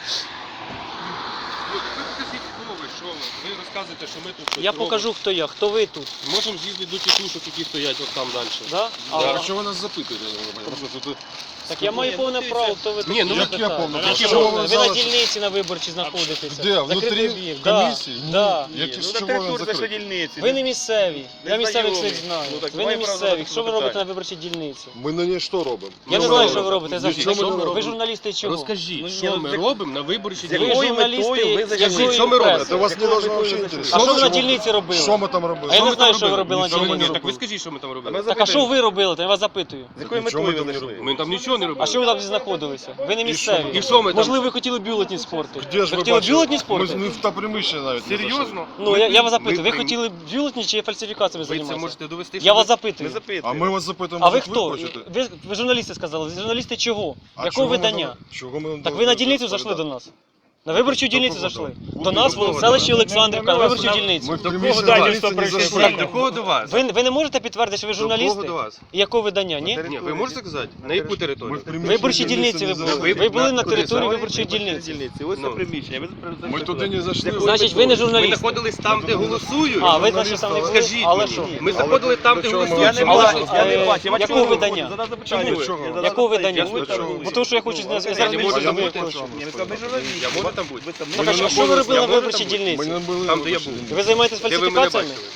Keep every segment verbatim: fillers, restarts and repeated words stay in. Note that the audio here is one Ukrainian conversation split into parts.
Що ви? Ви розказуєте, що ми тут щось Я робимо. покажу, хто я, хто ви тут. Можемо з'їздити до тітушок, які стоять от там далі. Да? Да. А, А що ви нас запитуєте? Просто тут... Так я маю Ні, повне ну, право, дивіться. хто ви тут. Ні, ну, як я повне право? Які Що ви, ви ви взяли, на що- дільниці на виборчій знаходитеся. Де? Внутрі Закритий об'єкт. Да, комісії? Ні. да. Які, Ну, з на чого вони території нашої закриті? дільниці. Ви не місцеві. Я місцевих знайомі. всіх знаю. Ну, так Ви не має право місцеві. задати Що ви робите на питання. виборчій дільниці? Ми на ній що робимо? Я не Що знаю, ми що ви робимо? робите. Завжди. Нічого ми Що не ви? Ви робимо. журналісти чого? Розкажіть, Ну, що ні, ми з як- робимо на виборчій з Ви якою дільниці? журналісти метою ви якої зайшли? Що ми робимо? преси? Це вас не должно Якою взагалі ви інтересувати. А що ви на Що ми- дільниці робили? Що ми там робили? А я не ми знаю, там що ви робили? робили на Що ми- дільниці. Так ви скажіть, що ми там А робили. ми Так а що ви робили? Я вас запитую. З якою Нічого метою ми ви там не зайшли? Ми там нічого не робили. А що ви там знаходилися? Ви не місцеві. І що ми там? Можливо, ви хотіли бюлетні спорти. Де Ви ж ви хотіли бачили? бюлетні Ми, спорти? ми в та приміщення навіть не зайшли. Серйозно? Ну, я, я вас запитую, ви ми- хотіли бюлетні чи фальсифікаціями Ви це займатися? можете довести, що Я ви- вас Ми запитую. запитуємо. А ми вас запитуємо, А ви як хто? хочете. Ви, ви журналісти сказали. Журналісти чого? А Якого чого ми видання? вам- Чого ми вам Так ви дали на дільницю відповідати? зайшли до нас. На виборчу дільницю кого зайшли. там? До нас Кого в селищі там? Олександрівка, на виборчу дільницю. Ми в До приміщення кого дільниці далі не прийшли? зайшли. Так, до кого до вас? Ви, ви не можете підтвердити, що ви До журналісти? кого до вас? І якого видання, ні? Ні, ви можете сказати? На яку Ми територію? в приміщення Виборчі дільниці ви не були. зайшли. Ви були на Куди території саме? виборчої дільниці. Ось це Ну. приміщення. Ви зайшли Ми туди не зайшли. Значить, ви не Ми журналісти. знаходились там, де голосують. А, ви значить там не були? Скажіть Але мені. що? Ми знаходились там, де До чого ми голосують. Я не Але бачу, що, я не е, бачу. Я бачу, якого ви видання? задав запитання. Чого? Чого? Я задав Якого запитання. видання? Ви там були. Бо тому що я хочу Ну, зараз ви зараз не більше можете з тобою бути. хочу. Ні, ви сказали, ви журналіст. Я можу там бути? Ви там Так, а Ми що, не що ви були- робили я на можу виборчій там бути? Ми дільниці? не були Там, де я виборчі був. дільниці. Ви займаєтесь Де ви мене фальсифікаціями? бачили?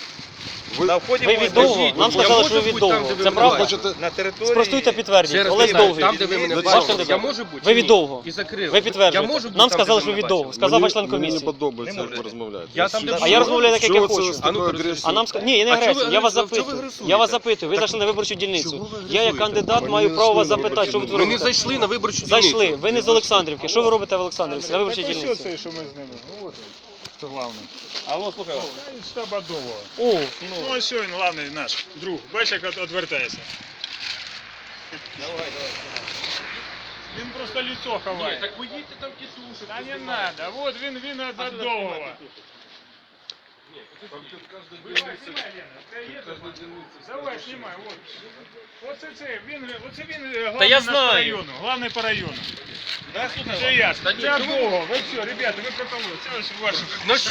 На вході Ви ми- від довго? Скажіть, Нам я сказали, можу що ви від бути там, довго. де ви Це мене правда? бачите? на території. Спростуйте, Ще підтвердіть. раз Олег питаю, Довгий. там, де ви мене Ваш бачили, кандидат. я можу бути? Ви чи від ні? довго. І закрили. Ви Я підтверджуєте. можу бути Нам там, сказали, де що ви від мене довго. бачили? Сказав Мені- ваш член Мені не комісії. подобається, Не як ви можете. розмовляєте. Я там, де А я розмовляю так, як я Чого це хочу. з А ну, такою перескажіть. агресією? А нам ска- ні, я не А чого агресія. ви Я вас агресуєте? Чого ви запитую. агресуєте? Я вас запитую. Ви Так зайшли на виборчу чого дільницю. ви Я агресуєте? як кандидат Ми маю не право вас зайшли на запитати, що ви тут Ми не робите. зайшли на виборчу дільницю. Зайшли. Ви не з Олександрівки. Що ви робите в Олександрівці на виборчій Так дільниці? ось це, що ми з ними. От це головне. Алло, слухай. Та із штаба Довго. О, Ну ось він, головний наш друг. Бачиш, як от- відвертається. Давай, давай. Він просто лицо ховає. Так поїдьте там тітушек. Та не надо. Вот він, він від від Довгого. Давай, знімай, Лена. Це є тут? Давай, знімай, от. Оце це, він, оце він е, главний я наш знаю. по району. Главний по району. Да, слухай. Це я. Та ні, Це чому ви- Довго. Ви все, ребята, ви пропали. Це ось ваше. Ну